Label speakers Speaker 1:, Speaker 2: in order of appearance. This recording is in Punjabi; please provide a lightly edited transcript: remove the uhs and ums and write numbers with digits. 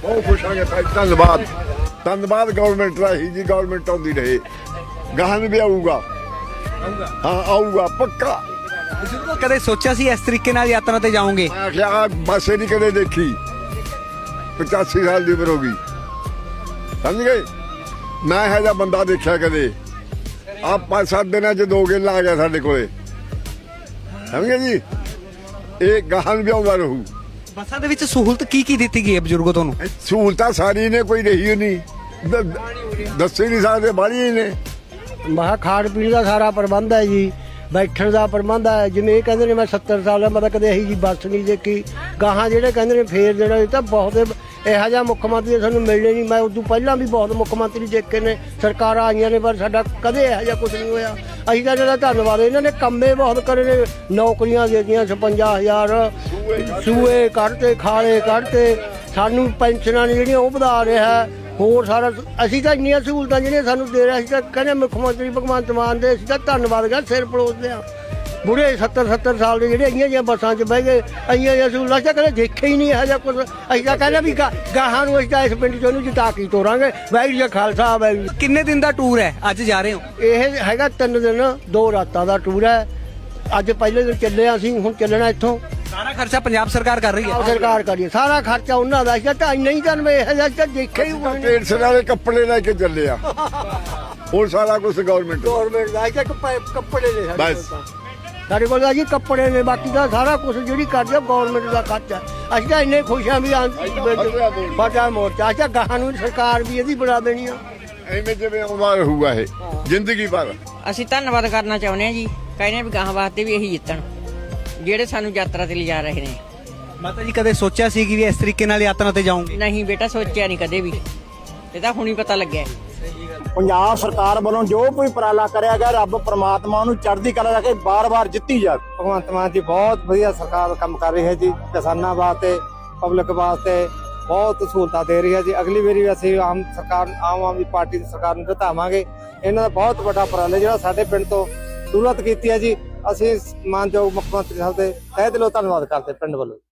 Speaker 1: बहुत खुश हाँ भाई, धन्यवाद धन्यवाद गवर्नमेंट का ही जी। गवर्नमेंट आती रहे, गहन भी आऊगा। हाँ आऊगा पक्का।
Speaker 2: ਕਦੇ ਸੋਚਿਆ ਸੀ ਇਸ ਤਰੀਕੇ ਨਾਲ ਯਾਤਰਾ ਤੇ ਜਾਓਗੇ?
Speaker 1: मैं आख्या बस ही नहीं कदे देखी, 85 साल की उम्र होगी, समझ गए। मैं है जा बंदा देखा कदे। आप 5-7 दिन च 2 गेला आ गया साढ़े कोले, समझ गए जी। ये गहन भी आਉਂਦਾ ਰਹੂ।
Speaker 2: ਬੱਸਾਂ ਦੇ ਵਿੱਚ ਸਹੂਲਤ ਕੀ ਦਿੱਤੀ ਗਈ ਹੈ ਬਜ਼ੁਰਗੋ ਤੁਹਾਨੂੰ?
Speaker 1: ਸਹੂਲਤਾਂ ਸਾਰੀ ਨੇ, ਕੋਈ ਰਹੀ ਨਹੀਂ, ਦੱਸੇ ਨਹੀਂ ਸਕਦੇ, ਬਾਹਲੀਆਂ ਨੇ।
Speaker 3: ਮਹਾ ਖਾਣ ਪੀਣ ਦਾ ਸਾਰਾ ਪ੍ਰਬੰਧ ਹੈ ਜੀ, ਬੈਠਣ ਦਾ ਪ੍ਰਬੰਧ ਹੈ। ਜਿਵੇਂ ਇਹ ਕਹਿੰਦੇ ਨੇ ਮੈਂ 70 ਸਾਲ ਦਾ, ਮੈਂ ਤਾਂ ਕਦੇ ਇਹੀ ਜੀ ਬੱਸ ਨਹੀਂ ਦੇਖੀ। ਗਾਹਾਂ ਜਿਹੜੇ ਕਹਿੰਦੇ ਨੇ ਫੇਰ ਜਿਹੜਾ ਇਹ ਤਾਂ ਬਹੁਤ ਇਹੋ ਜਿਹਾ ਮੁੱਖ ਮੰਤਰੀ ਸਾਨੂੰ ਮਿਲਣੇ ਨਹੀਂ। ਮੈਂ ਉਦੋਂ ਪਹਿਲਾਂ ਵੀ ਬਹੁਤ ਮੁੱਖ ਮੰਤਰੀ ਦੇਖੇ ਨੇ, ਸਰਕਾਰਾਂ ਆਈਆਂ ਨੇ, ਪਰ ਸਾਡਾ ਕਦੇ ਇਹੋ ਜਿਹਾ ਕੁਝ ਨਹੀਂ ਹੋਇਆ। ਅਸੀਂ ਤਾਂ ਜਿਹੜਾ ਧੰਨਵਾਦ, ਇਹਨਾਂ ਨੇ ਕੰਮੇ ਬਹੁਤ ਕਰੇ ਨੇ, ਨੌਕਰੀਆਂ ਦੇ ਦਿੱਤੀਆਂ, 56,000 ਸੂਏ ਕੱਢਤੇ, ਖਾਲੇ ਕੱਢਤੇ, ਸਾਨੂੰ ਪੈਨਸ਼ਨਾਂ ਨੇ ਜਿਹੜੀਆਂ ਉਹ ਵਧਾ ਰਿਹਾ। ਹੋਰ ਸਾਰਾ ਅਸੀਂ ਤਾਂ ਇੰਨੀਆਂ ਸਹੂਲਤਾਂ ਜਿਹੜੀਆਂ ਸਾਨੂੰ ਦੇ ਰਿਹਾ, ਅਸੀਂ ਤਾਂ ਕਹਿੰਦੇ ਮੁੱਖ ਮੰਤਰੀ ਭਗਵੰਤ ਮਾਨ ਦੇ ਅਸੀਂ ਤਾਂ ਧੰਨਵਾਦ ਕਰ ਸਿਰ ਪਲੋਸਦੇ ਹਾਂ। ਬੁੜੇ 70 ਸਾਲ ਦੇ ਜਿਹੜੇ ਇੰਨੀਆਂ ਜਿਹੀਆਂ ਬੱਸਾਂ 'ਚ ਬਹਿ ਗਏ, ਇੰਨੀਆਂ ਜਿਹੀਆਂ ਸਹੂਲਤਾਂ ਤਾਂ ਕਦੇ ਦੇਖਿਆ ਹੀ ਨਹੀਂ ਇਹੋ ਜਿਹਾ ਕੁਝ। ਅਸੀਂ ਤਾਂ ਕਹਿੰਦੇ ਵੀ ਗਾਹਾਂ ਨੂੰ ਅਸੀਂ ਤਾਂ ਇਸ ਪਿੰਡ 'ਚ ਉਹਨੂੰ ਜਿਤਾ ਕੇ ਤੋਰਾਂਗੇ। ਵਾਹਿਗੁਰੂ ਜੀ ਖਾਲਸਾ ਵਾਹਿਗੁਰੂ।
Speaker 2: ਕਿੰਨੇ ਦਿਨ ਦਾ ਟੂਰ ਹੈ? ਅੱਜ ਜਾ ਰਹੇ ਹੋ?
Speaker 3: ਇਹ ਹੈਗਾ 3 ਦਿਨ 2 ਰਾਤਾਂ ਦਾ ਟੂਰ ਹੈ। ਅੱਜ ਪਹਿਲੇ ਦਿਨ ਚੱਲੇ ਹਾਂ ਅਸੀਂ, ਹੁਣ ਚੱਲਣਾ ਇੱਥੋਂ।
Speaker 2: ਸਾਰਾ ਖਰਚਾ ਪੰਜਾਬ ਸਰਕਾਰ ਕਰ ਰਹੀ ਹੈ?
Speaker 3: ਸਰਕਾਰ ਕਰੀਏ ਸਾਰਾ ਖਰਚਾ ਉਹਨਾਂ ਦਾ। ਅਸੀਂ ਤਾਂ ਨਹੀਂ ਤਾਂ ਇਹ ਜਿਹਾ ਦੇਖਿਆ ਹੀ ਹੋਣਾ।
Speaker 1: ਟ੍ਰੇਨ ਵਾਲੇ ਕੱਪੜੇ ਲੈ ਕੇ ਚੱਲੇ ਆ, ਹੋਰ ਸਾਰਾ ਕੁਝ ਗਵਰਨਮੈਂਟ
Speaker 3: ਦਾ ਅਸੀਂ ਤਾਂ ਕੱਪੜੇ ਨੇ
Speaker 1: ਬਸ।
Speaker 3: ਸਾਡੇ ਕੋਲ ਤਾਂ ਜੀ ਕੱਪੜੇ ਨੇ, ਬਾਕੀ ਦਾ ਸਾਰਾ ਕੁਝ ਜਿਹੜੀ ਕਰਦੇ ਗਵਰਨਮੈਂਟ ਦਾ ਖਰਚਾ। ਅਸੀਂ ਤਾਂ ਇੰਨੇ ਖੁਸ਼ ਹਾਂ ਵੀ ਫਤਿਹ ਮੋਰਚਾ। ਅੱਛਾ ਗਾਹਾਂ ਨੂੰ ਸਰਕਾਰ ਵੀ ਇਹਦੀ ਬਣਾ ਦੇਣੀ ਆ,
Speaker 1: ਐਵੇਂ ਜਿਵੇਂ ਆਉਂਦਾ ਰਹੂਗਾ ਇਹ ਜ਼ਿੰਦਗੀ ਭਰ।
Speaker 4: ਅਸੀਂ ਧੰਨਵਾਦ ਕਰਨਾ ਚਾਹੁੰਦੇ ਹਾਂ ਜੀ, ਕਹਿੰਦੇ ਵੀ ਗਾਹਾਂ ਵਾਸਤੇ ਵੀ ਇਹੀ ਜਿੱਤਣ ਜਿਹੜੇ ਸਾਨੂੰ ਯਾਤਰਾ ਤੇ ਲਿਜਾ ਰਹੇ ਨੇ।
Speaker 2: ਮਾਤਾ ਜੀ ਕਦੇ ਸੋਚਿਆ ਸੀ ਕਿ ਵੀ ਇਸ ਤਰੀਕੇ ਨਾਲ ਯਾਤਰਾ ਤੇ ਜਾਓਗੇ?
Speaker 4: ਨਹੀਂ ਬੇਟਾ, ਸੋਚਿਆ ਨਹੀਂ ਕਦੇ ਵੀ, ਇਹ ਤਾਂ ਹੁਣੀ ਪਤਾ ਲੱਗਿਆ।
Speaker 5: ਪੰਜਾਬ ਸਰਕਾਰ ਵੱਲੋਂ ਜੋ ਕੋਈ ਉਪਰਾਲਾ ਕਰਿਆ ਗਿਆ, ਰੱਬ ਪ੍ਰਮਾਤਮਾ ਉਹਨੂੰ ਚੜ੍ਹਦੀ ਕਲਾ ਰੱਖੇ, ਬਾਰ-ਬਾਰ ਜਿੱਤੀ ਜਾਵੇ।
Speaker 6: ਭਗਵੰਤ ਮਾਨ ਜੀ ਬਹੁਤ ਵਧੀਆ ਸਰਕਾਰ ਕੰਮ ਕਰ ਰਹੀ ਹੈ ਜੀ, ਕਿਸਾਨਾਂ ਵਾਸਤੇ, ਪਬਲਿਕ ਵਾਸਤੇ ਬਹੁਤ ਸਹੂਲਤਾਂ ਦੇ ਰਹੀ ਹੈ ਜੀ। ਅਗਲੀ ਵਾਰੀ ਵੀ ਅਸੀਂ ਆਮ ਆਦਮੀ ਪਾਰਟੀ ਦੀ ਸਰਕਾਰ ਨੂੰ ਜਿਤਾਵਾਂਗੇ। ਇਹਨਾਂ ਦਾ ਬਹੁਤ ਵੱਡਾ ਉਪਰਾਲਾ ਜਿਹੜਾ ਸਾਡੇ ਪਿੰਡ ਤੋਂ ਸ਼ੁਰੂਆਤ ਕੀਤੀ ਹੈ ਜੀ। ਅਸੀਂ ਮਾਨਯੋਗ ਮੁੱਖ ਮੰਤਰੀ ਸਾਹਿਬ ਦੇ ਤਹਿ ਦਿਲੋਂ ਧੰਨਵਾਦ ਕਰਦੇ ਪਿੰਡ ਵੱਲੋਂ।